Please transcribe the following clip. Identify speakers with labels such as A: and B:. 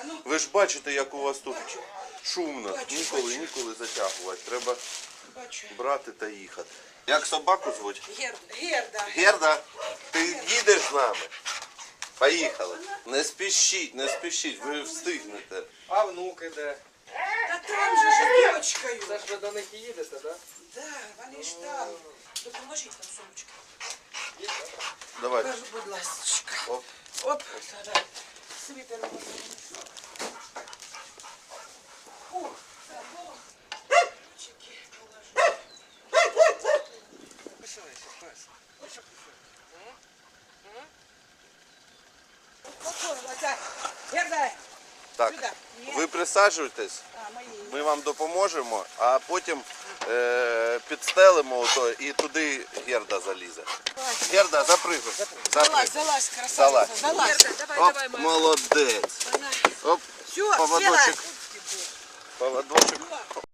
A: Ви ж бачите, як у вас тут шумно. Ніколи затягувати. Треба брати та їхати. Як собаку звуть?
B: Герда.
A: Герда, ти їдеш з нами? Поїхали. Не спішіть, ви встигнете.
C: А внук іде?
B: Та там же ж дочкою.
C: Це ж ви до них і їдете, так?
B: Да, вони ж там. Допоможіть нам сумочки.
A: Давай.
B: Кажу, будь ласочка.
A: Оп.
B: Оп. Давай. Світер.
A: Так, ви присаджуйтесь, ми вам допоможемо, а потім підстелимо ото і туди Герда залізе. Герда, запригуй.
B: Залазь, красавица. Залазь.
A: Оп, молодець. Оп,
B: Все,
A: поводочок. Поводочок.